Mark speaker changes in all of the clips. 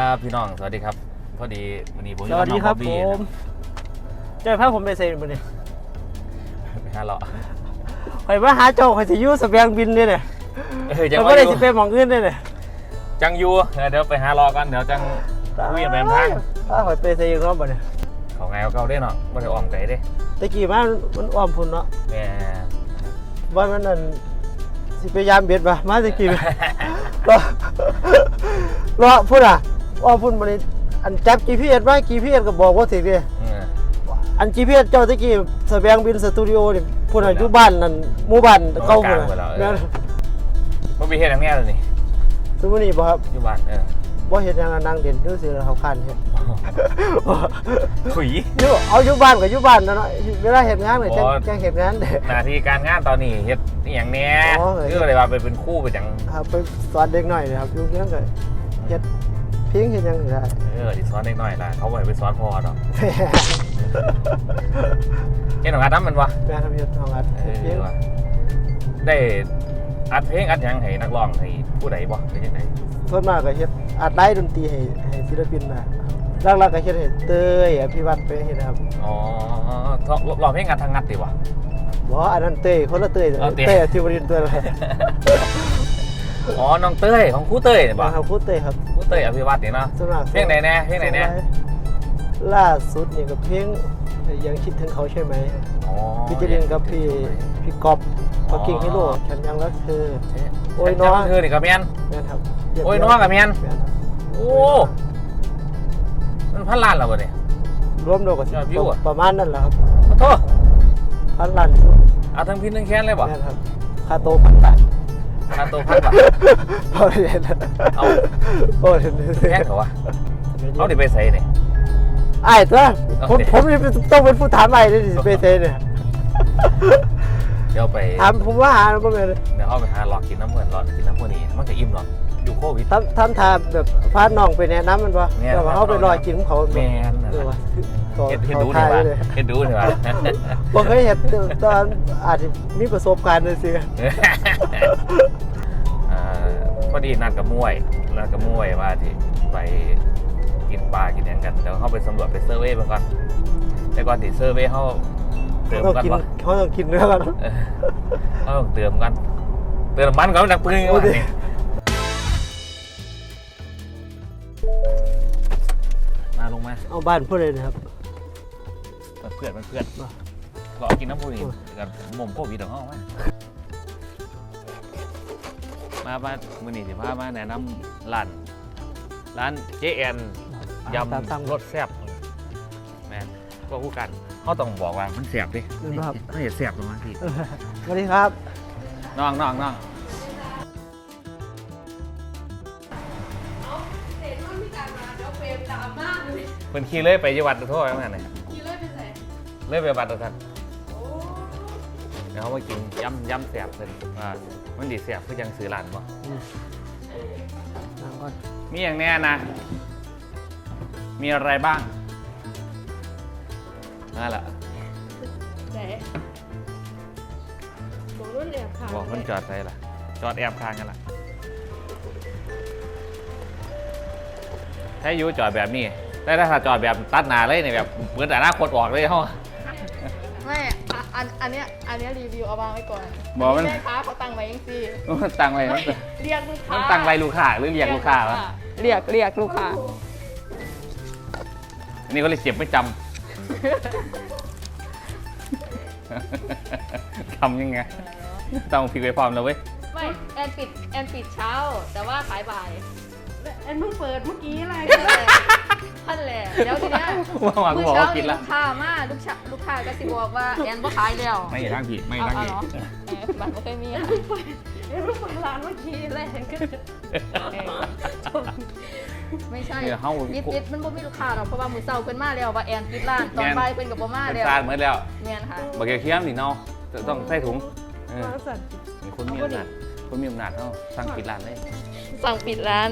Speaker 1: ครับพี่น้องสวัสดีครับพอดีวันนี้ผม
Speaker 2: สวัสดีครับผมเจอพาผมไปเซ็นบุญนี่
Speaker 1: ไปหาเลาะ
Speaker 2: ไปมาหาเจ้าใครจะยู่สเปียงบินเนี่ย
Speaker 1: จัง
Speaker 2: ไม่ได้จะไปมองเงินเนี่ย
Speaker 1: จังยูเดี๋ยวไปหารอกันเดี๋ยวจังคุยกันแบบทาง
Speaker 2: ถ้าไปเซ็นรอบบ่เนี่ย
Speaker 1: เขาไงเขาได้เนาะไม่ได้อ้อมไก่ได้
Speaker 2: ตะกี้มันอ้อมพุ่นเนาะ
Speaker 1: แม่
Speaker 2: ว่ามันนั่นสิพยายามเบียดมาตะกี้รอพุ่นอ่ะอ้อมพุ่นมันอันจับ GPS ไว้ GPS ก็บอกว่าถึงดิอัน GPS เจ้าตะกี้สเปียงบินสตูดิโอนี่พุ่นอยู่บ้านนั่นหมู่บ้านเก่าพุ่นนั่น
Speaker 1: บ่มีเฮ็ดอย่างแน่เลยนี่
Speaker 2: สมมุตินี่บ่ครับ
Speaker 1: อยู่บ้าน
Speaker 2: บ่เฮ็ดหยังนั่งเด่นซื่อๆเขาคันเฮ็ด
Speaker 1: ถุย
Speaker 2: เอาอยู่บ้านก็อยู่บ้านเนาะเวลาเฮ็ดงานก็จังเฮ็ดงานเด้
Speaker 1: หน้าที่การงานตอนนี้เฮ็ดอีหยังแน่คืออะไรว่าเป็นครูไปจัง
Speaker 2: ครับไปสอนเด็กน้อยนี่ครับอยู่เพียงก็เฮ็ดเพียงเฮ็ดหยังได้
Speaker 1: สิสอนเด็กน้อยล่ะเขาบ่ให้ไปสอนพ่อดอกเฮ็ดของอัดนำมันวะ
Speaker 2: แม่ทำเฮ็ดของอัดเพลง
Speaker 1: ได้อัดเพลงอัดหยังให้นักร้องให้ผู้ใดบ่เป็นจังได๋
Speaker 2: ส่วนมากก็เฮ็ดอัดไลฟ์ดนตรีให้ศิลปินนะหลักๆก็เฮ็ดให้เต้ยอภิวัตไปเฮ็ดครับ
Speaker 1: อ๋อร้องเพลงอัดทางงัดติวะ
Speaker 2: บ่อันนั้นเต้ยคนละเต้ยเต้ยที่บริษัทเต้ย
Speaker 1: อ๋อน้องเต้ยของครูเต้ยนี่บ่
Speaker 2: ครับครูเต้ยครับ
Speaker 1: ครูเต้ยอภิวัตนี่เนาะเพลงไหนแน่เพลงไหนแน่
Speaker 2: ล่าสุดนี่ก็เพลงยังคิดถึงเขาใช่ไหมอ๋อพี่จะเรียนกับพี่ก๊อฟเขากิ่งฮีโร่ฉันยังรักเธอ
Speaker 1: โอ้ยน้องเธอนี่ก็แม่น
Speaker 2: ครับ
Speaker 1: โอ้ยน้องก็แม่นโอ้มันพันล้านแล้วบ่เนี่ย
Speaker 2: รวมโดก็ประมาณนั้นแหละครับ
Speaker 1: ขอโทษ
Speaker 2: พันล้าน
Speaker 1: เอาทั้งพินทั้งแค้นเลยบ่
Speaker 2: ครับค่าโตพันบาท
Speaker 1: ค่าโตพันบาท
Speaker 2: พอเห็นเอา
Speaker 1: โอ้แค่เขาวะเอาดิไปใส่เนี่ย
Speaker 2: ไอ้ตัวผมต้องเป็นผู้ถามไอ้เลยดิไปใส่เนี่ย
Speaker 1: เดี๋ยวไป
Speaker 2: ถามผมว่าหาบ่แม่น
Speaker 1: เดี๋ยวเขาไปหาหลอกกินน้ำเหมือนหลอกกินน้ำพวกนี้มันก็อิ่มหรอกอยู่โควิด
Speaker 2: ท่านทาแบบพาน้องไปแนะนำมันป่ะแต่ว่าเขาไปรอกินของเขา
Speaker 1: แม่นเห็นดูเถอะเห็นดูเถอะ
Speaker 2: บ่เคยเห็นตอนอาจจะมีประสบการณ์เลยสิ
Speaker 1: พอดีนัดกับมวยว่าที่ไปกินปลากินอย่างกันเดี๋ยวเขาไปสำรวจไปเซอร์เวย์ก่อนแต่ก่อนที่เซอร์เวย์เขาเติมกันป่ะ
Speaker 2: เขาต้องกินเนื้อกัน
Speaker 1: เขาต้องเติมกันเติมมันก่อนดักปืนก่อนมาลงมา
Speaker 2: เอาบ้านเพื่อนเลยนะครับ
Speaker 1: เพื่อนเรากินน้ำพุนี่กับหม่อมโควิดของเขาไหมมามือนี่สิพามาแนะนำร้านเจแอนยำรสแซ่บแม่ก็คู่กันเขาต้องบอกว่ามันแซ่บดิไม่เห็นแซ่บหรอกพี่
Speaker 2: สวัสดีครับ
Speaker 1: น้องเป็นขี่เลื่อยไปจังหวัดตัวโทษแล้วไง
Speaker 3: ขี่เลื่อยไปไหน
Speaker 1: เลื่อยไปบัตรท่านเดี๋ยวเขามากินยำแซ่บเลยมันดีแซ่บเพื่อยังซื้อร้านป่ะมีอย่างแน่นะมีอะไรบ้างนั่นแหละ
Speaker 3: ไหนบอกรุ่นแอบคาง
Speaker 1: บอกมันจอดใส่ละจอดแอบคางกันละถ้ายูจอดแบบนี้ได้ถ้าจอดแบบตัดหนาเลยเนี่ยแบบเหมือนแต่หน้าโคตรออกเลยเขา
Speaker 3: ไม่อันเนี้ยรีวิวเอาวางไว้ก่อน
Speaker 1: บอกมัน
Speaker 3: ค้าเขาตั้งไว้ยังสิ
Speaker 1: ตั้งไว้
Speaker 3: เรียกลูกค้า
Speaker 1: ตั้งไว้ลูกค้าหรือเรียกลูกค้าวะ
Speaker 3: เรียกลูกค้า
Speaker 1: อันนี้เขาเลยเจ็บไม่จำทำยังไงต้องพิกไว้พร้อมแล้วเว้ย
Speaker 3: ไม่แอนปิดเช้าแต่ว่าขายบ่าย
Speaker 4: แอนเพิ่งเปิดเมื่อกี้อะไร
Speaker 3: ท่านแหละแล้วทีเนี้ย
Speaker 1: เมื่อเช้า
Speaker 3: ลูกค้ามาลูกค้าก็สิบอกว่าแอนบ่ขายแล้ว
Speaker 1: ไม่ร่างผี
Speaker 3: มันไม่เคยมี
Speaker 4: แอนเพิ่งเปิดร้านเมื่อกี้เลยแอนก็
Speaker 3: ไม่ใช่ปิดมันบ่มีลูกค้าหรอกเพราะว่ามื้อเช้าเพิ่นมาแล้วว่าแอนปิดร้านตอนบ่ายเพิ่นก็บ่มาแล้ว
Speaker 1: ซาดเหมือนแล้ว
Speaker 3: แม่นค่ะ
Speaker 1: บักเคี้ยมนี่เนาะต้องใส่ถุงคนมีอำนาจเนาะสั่งปิดร้านเลย
Speaker 3: สั่งปิดร้าน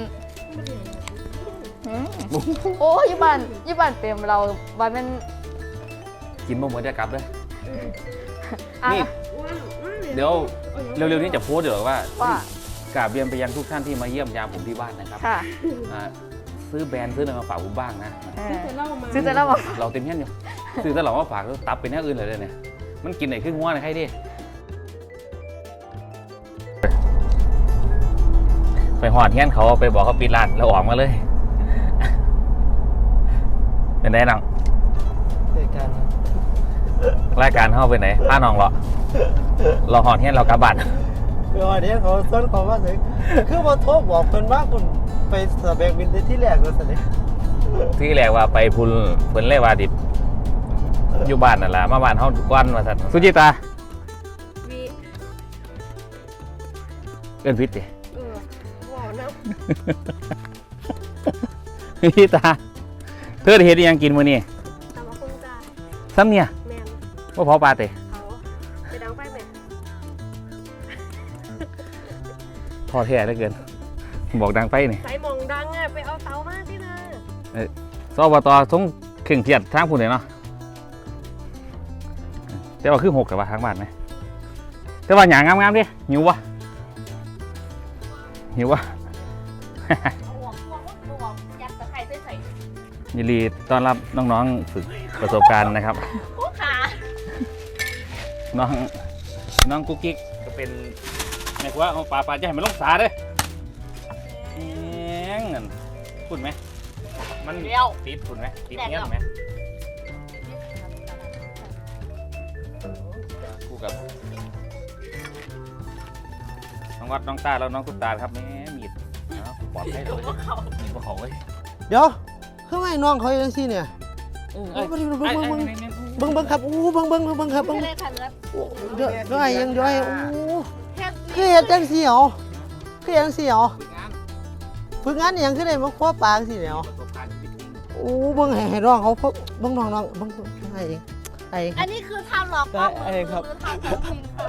Speaker 3: โอ้ยบ้านเปรมเราบ้านมัน
Speaker 1: กินบ่เหมือนจะกลับเลยนี่เดี๋ยวเร็วๆนี้จะโพสต์เดี๋ยวว่ากราบเรียนไปยังทุกท่านที่มาเยี่ยมยามผมที่บ้านนะครับซื้อแบรนด์ซื้ออะไรมาฝากผมบ้างนะ
Speaker 4: ซื้อแต่เหล้ามา
Speaker 3: ซื้อแต่ละบอก
Speaker 1: เราเต็มเงี้ยอยู่ซื้อแต่เรามาฝากแล้วตับเป็นแนวอื่นเลยเนี่ยมันกินไหนขึ้นหัวไหนใครดิไปหอดเงี้ยเขาไปบอกเขาปิดร้านแล้วออกมาเลยเป็นไงน้อง
Speaker 2: เด็กกัน
Speaker 1: รายการเข้าไปไหนพาน้องเหรอเราหอดเงี้ยเรากลับบ้าน
Speaker 2: เดี๋ยวนี้เขาต้นเขาว่าสิคือมาโทรบอกเพิ่นว่าคุณไปสแบงบินได้ที่แรกแล้วสิ
Speaker 1: ที่แรกว่าไปพุ่นเพิ่นเลยว่าดิอยู่บ้านนั่นแหละมาบ้านเฮาก่อนว่าซั่นสุจิตา
Speaker 4: วี
Speaker 1: เอิ้นผิดติ
Speaker 4: ว้าวนะ
Speaker 1: สุจิตาเธอได้เฮ็ดอิหยังกินมื้อนี้
Speaker 4: ตามมาคงจ้า
Speaker 1: ซ้ำเนี่ย
Speaker 4: แมน
Speaker 1: บ่เผาปลาติ
Speaker 4: เขาไปดังไฟแมน
Speaker 1: ท้อแท้เหลือเกินบอกดังไปนี่
Speaker 4: ใส่หมองดังอ่ะไปเอาเตามาที่นะ
Speaker 1: สอบตทรงเคร่งเครียดทางพุ่นเลยเนาะแต่ว่าคือ6กับว่าทางบ้านไหมแต่ว่าหยังงามๆดิหิวบ่หิวบ่
Speaker 3: ยัดตะไคร้ใส่
Speaker 1: ยินดีต้อนรับน้องๆฝึกประสบการณ์นะครับ
Speaker 3: ผู้ขา
Speaker 1: น้องกุ๊กกิ๊กก็เป็นแม่ครัวเอาปลาจะให้มันลงสาเด้อแหงนั่นพูดไหมมันติดพูดไหมติดเงี้ยไหมคู่กับน้องวัดน้องตาแล้วน้องตุ๊กตาครับแม่มีดเอาปลอดภัยเลยมีดบ่เขาเลย
Speaker 2: เดี๋ยวคือไม่น้องเขาจังซี่เนี่ยเบิ่งครับอู้เบิ่งครับเบิ่ง
Speaker 3: ไม่ได้ทันแล้ว
Speaker 2: เดี๋ยวไอ้ยังย้อยอู้คือเฮ็ดจังซี่เหรอคือจังซี่เหรอฝึกงานอหยังคือได้มาคว้าปลาจังซี่เนี่ย
Speaker 1: ประสบการณ์ชีวิตจริง
Speaker 2: อู้เบิ่งให้น้องเขาเบิ่งน้องเบิ่งไอ้เองไอ้
Speaker 3: อันนี้คือทำหลอก
Speaker 2: ได้ไอ้ครับ
Speaker 3: ทำของจริงค่ะ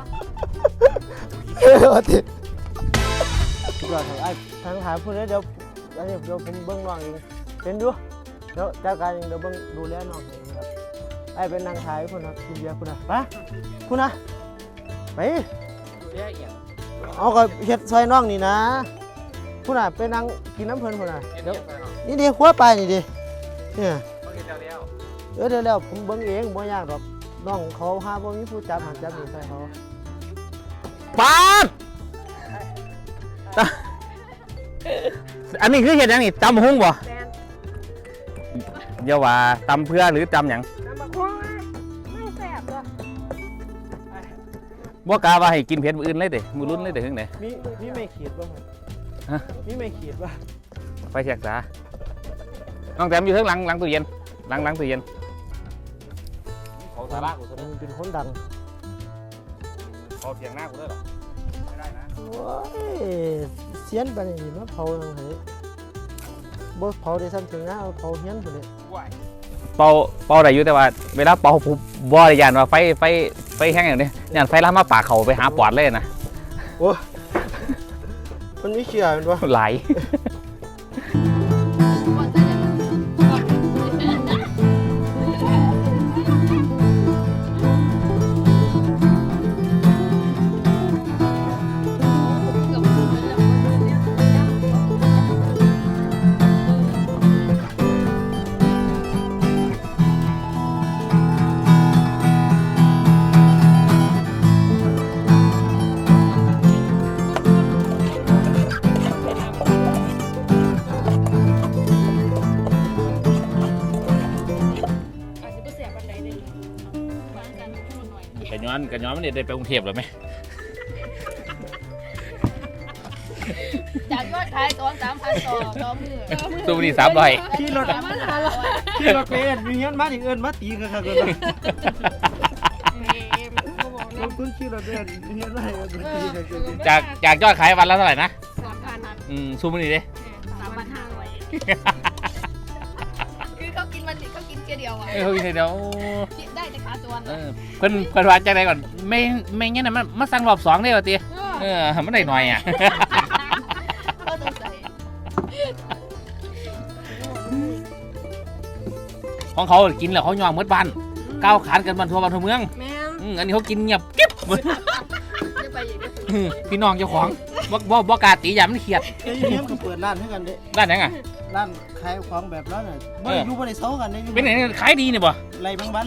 Speaker 2: ติดยอดครับไอ้ทางหาพูดแล้วเดี๋ยวอันนี้เดี๋ยวผมเบิ่งน้องเองเป็นดูเดี๋ยวจัดการเองเดี๋ยวเบิ่งดูแลน้องเองครับไอ้เป็นนางขายพุ่นนะกินเบียร์พุ่นนะไปพุ่นนะไป
Speaker 1: เรื่องอย่าง
Speaker 2: เอาก็เฮ็ดซอยน้องนี่นะพุ่นน่ะไปนั่งกินน้ำเพลินพุ่นน่ะเดี๋ยวนี่ดิครัวไปนี่ดิเนี่ยเดี๋ยวผมเบิ่งเองบ่ยากหรอกน้องเขาหาบ่มีผู้จับหันจับนี่ใส่เขา
Speaker 1: ปาดอันนี้คือเห็ดหยังนี่ตำหุ้งบ่
Speaker 4: แมน
Speaker 1: เดี๋ยวว่าตำเพื่อหรือตำหยัง
Speaker 4: น้ำมาคงไม่แสบตัว
Speaker 1: บ่กล้าว่าให้กินเผ็ดมื้ออื่นเลยเด้มื้อรุ่นเลยเด้ถึงไหน
Speaker 2: มีไม่ขีดบ่ครับ
Speaker 1: ฮะ
Speaker 2: มีไม่ขีดบ่
Speaker 1: ไปเช็คซะน้องแต้มอยู่ข้างหลังตู้เย็นหลังตู้เย็นเขาสาระกูซะ
Speaker 2: มันเป็นคนดัง
Speaker 1: เขาเถียงหน้ากูได้หรอไม่ได้นะ
Speaker 2: โอ้ยเสียนปานนี้มาเผาทางไหนบ่เผาได้ซ้ำถึงนะเอาเผาเฮียนพุ่นเลย
Speaker 1: เป่าได้อยู่แต่ว่าเวลาเป่าผมบ่ได้ยานว่าไฟแห้งอย่างนี้ยานไฟลามมาปากเขาไปหาปอดเลยนะ
Speaker 2: โอ้มันมีเขียมันบ่
Speaker 1: ไหล
Speaker 4: อาจจะไม่แสบวันไหนเลย
Speaker 1: กันย้อนมันได้ไปกรุงเทพหรือไหม
Speaker 3: จากยอดขายตอน 3,000 ต่อมือ
Speaker 1: ตู้นี้300
Speaker 2: ขี่รถขี่รถไปเอิ้นมีเฮียนมาถึงเอิ้นมาตีกันครับเอิ้นลงทุนขี่รถไปเอิ้นเฮียนมาให้เอิ้นมาตีกันครับ
Speaker 1: จากยอดขายวันละเท่าไหร่นะ
Speaker 4: 3,000
Speaker 1: ซูมนี่ดิ
Speaker 4: 3,500
Speaker 3: คือเขากินแค่เดียวอ่ะ
Speaker 1: เฮ้ยเดี๋ยว
Speaker 3: ได้แต่ขาตัว
Speaker 1: เพิ่นว่าจังไดก่อนไม่งั้นน่ะมันมาสั่งรอบ2ได้ว่าติมันได้หน่อยอ่ะ
Speaker 3: ก็ต้องใส่
Speaker 1: ของเขากินแล้วเขายอมหมดบ้านก้าวขานกันบ้านทั่วเมือง
Speaker 4: แม่น
Speaker 1: อันนี้เขากินเงียบกิ๊บ
Speaker 3: จะไปอย่างนี้
Speaker 1: พี่น้องเจ้าของบ่กล้าตีอย่ามันเครียด
Speaker 2: ไอ้เฮียนก็เปิดร้านให้กันเด้
Speaker 1: ด้านไหนอ่ะ
Speaker 2: รร้านขายของแบบนั้นน่ะบ่ได้อยู่บ่ได้เซากันได้อยู่
Speaker 1: เป็นไหนขายดีเนี่ยบ่
Speaker 2: ไรบางบัน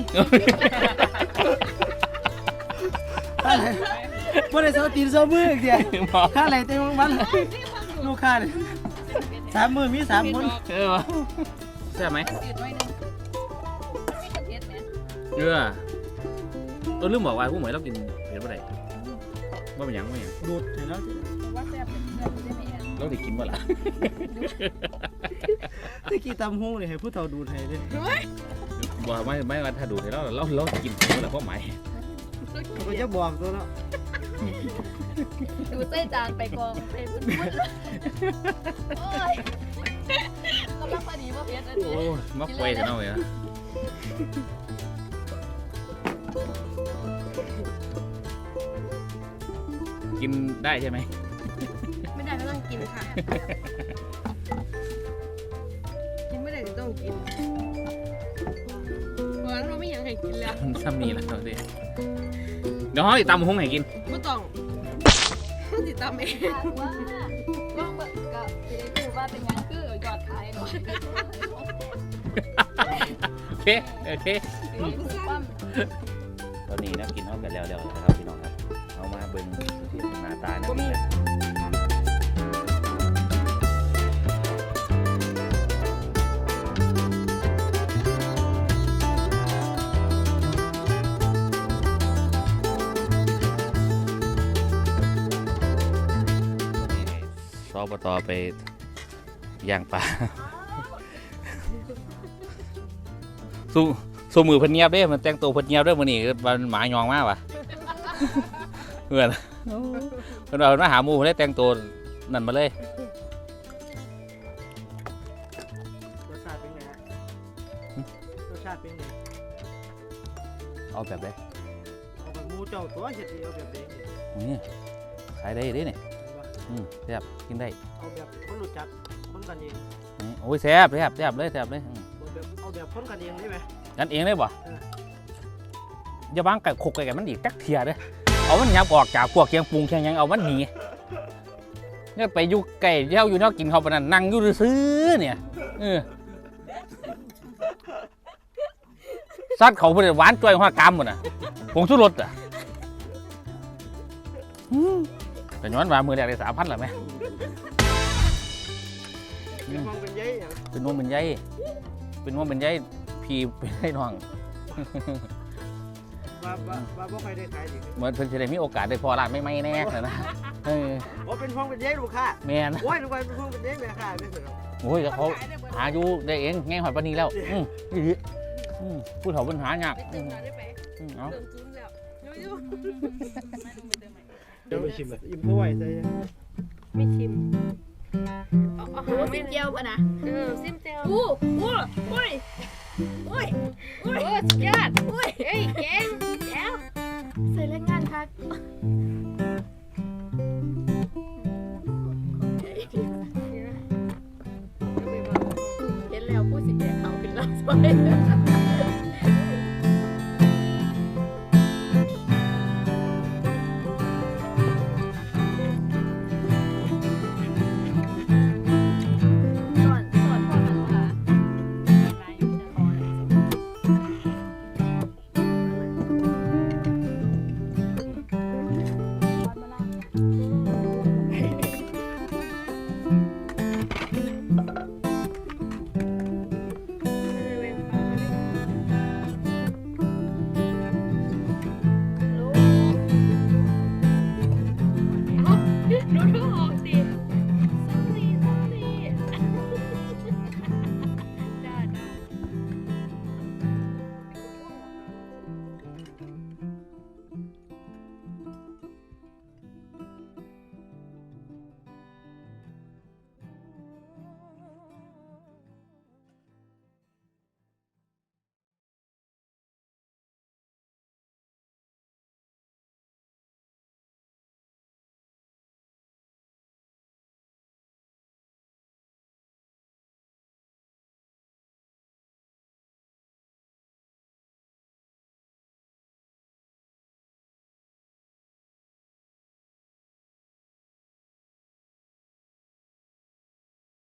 Speaker 2: บ่ได้เซาตีนเซามืออีกเดียวค่าไรเต็มบางบันลูกค้านี่3 มื้อมี3 คน
Speaker 1: วะใช่ไหม
Speaker 3: จืดไว้นึงไม่กระเทียมเนี่ย
Speaker 1: ตัวลืมบอกว่าผู้หมวยเรากินเผ็ดบ่ได้ว่าเป็นหยังว่าหยัง
Speaker 2: ดูดให้แล้ว
Speaker 3: ว่าแซ่บเป็นเพื่อนได้ไหมแอน
Speaker 1: เราได้กินบ่ล่ะ
Speaker 2: ตะกี้ตำฮุ้งนี่ให้ผู้เฒ่าดูดให้เด้
Speaker 1: บ่ไม่ว่าถ้าดูดให้เรากินบ่ล่ะเพราะหมาย
Speaker 2: ก็จะบอกตัวเนาะ
Speaker 3: ดูเส้นจานไปกองไปพุ่นโอ้ยกำลังพอดีว่าเพชรอัน
Speaker 1: โอ้
Speaker 3: นี้
Speaker 1: ยมาป่วยซะเนาะเว้ยกินได้ใช่ไหม
Speaker 4: ไม่ได้ก็ต้องกินค่ะ กินไม่ได้ก็ต้องกินเพราะฉะนั้นเราไม่อยากให้กินแล้ว
Speaker 1: มันซ้ำนี่แหละเราเดี๋ยวเขาติดตามหุ้งให้กิน
Speaker 4: ไม่ต้องติดตามเอง
Speaker 3: ว่าว่างแบบกับจะได้ดูว่าเป็นยังคือยอดขายหน่อย
Speaker 1: โอเคโอเค
Speaker 3: ว่า
Speaker 1: ตอนนี้นะกินเอากันแล้วนะครับพี่น้องครับเอามาเบิ่งที่หน้าตานะนี่นะสอบตไปย่างปลา สู้มือเพิ่นเงียบเด้มันแต่งตัวเพิ่นเงียบเด้อมื้อนี้มันหมายองมากว่ะ เพื่อนเพิ่นว่าเพิ่นมาหาหมู่เพิ่นได้แต่งตัวนั่นมาเลย
Speaker 2: รสชาติเป็นไงฮะรสชาติเป็นไง
Speaker 1: เอาแบบใด
Speaker 2: เอาแบบหมูเจ้าตัวเฮ็ดดีเอาแบบเด้งนี่
Speaker 1: นี่ขายได้เด้นี่
Speaker 2: เห็นปะ
Speaker 1: แซ่บกินได้
Speaker 2: เอาแบบคนรู้จักคนกันเอง
Speaker 1: โอ้ยแซ่บเลย
Speaker 2: เอาแบบคนกันเองได้ไหม
Speaker 1: กันเองเลยบ่
Speaker 2: เออ
Speaker 1: อย่าวางไก่ขกไก่มันอีกจักเทียเด้อเอามันยับออกจากพวกเคียงปรุงเคียงหยังเอามันหนีเนี่ยไปอยู่ไก่เย้าอยู่นอกกินเขาปานนั้นนั่งอยู่ซื่อๆเนี่ยซัดเขาเพิ่นหวานจ้อยหัวกามหมดน่ะผงชูรสอ่ะแต่ย้อนว่ามือแรกได้3,000ล่ะแม่
Speaker 2: เป็นห้องเป็นใยอย่าง
Speaker 1: เป็นวงเป็นใยพี่เป็นไอ้น้อง
Speaker 2: ว่าบ่ค่อยได้ขายดิ
Speaker 1: เหมือนเพิ่นจะได้มีโอกาสได้พอร้านไม่แน่เลยนะ
Speaker 2: ว่าเป็นห้องเป็นใยลูกค้า
Speaker 1: แม่น
Speaker 2: โอ้ยลูกค้าเป็นห้องเป็นใยแม่ค้าไม่เหมือน
Speaker 1: โอ้ยเขาหาอยู่ได้เองแง่หอยปานนี้แล้วผู้เฒ่าปัญหายาก
Speaker 4: ไปเติมน้ำได้ไหม
Speaker 1: เอา
Speaker 4: เติมจุ้นแล้วยู
Speaker 2: เดี๋ยวไปชิมเลยอิ่มพ่อไหวใจ
Speaker 4: ไม่ชิมเอา
Speaker 3: โอ้
Speaker 4: หา
Speaker 3: ซิ
Speaker 4: ไม่
Speaker 3: ม
Speaker 4: เดี
Speaker 3: เจี
Speaker 4: ยว
Speaker 3: ยวป่ะนะ
Speaker 4: ซิมเจล
Speaker 3: อู้อู้อุ้ยอุ้ยอุ้ยสุดยอดอุ้ยเฮ้ยเก่งแล้วใส่แรงงานพักเห็นแล้วผู้สิแก่เขาขึ้นแล้วสวย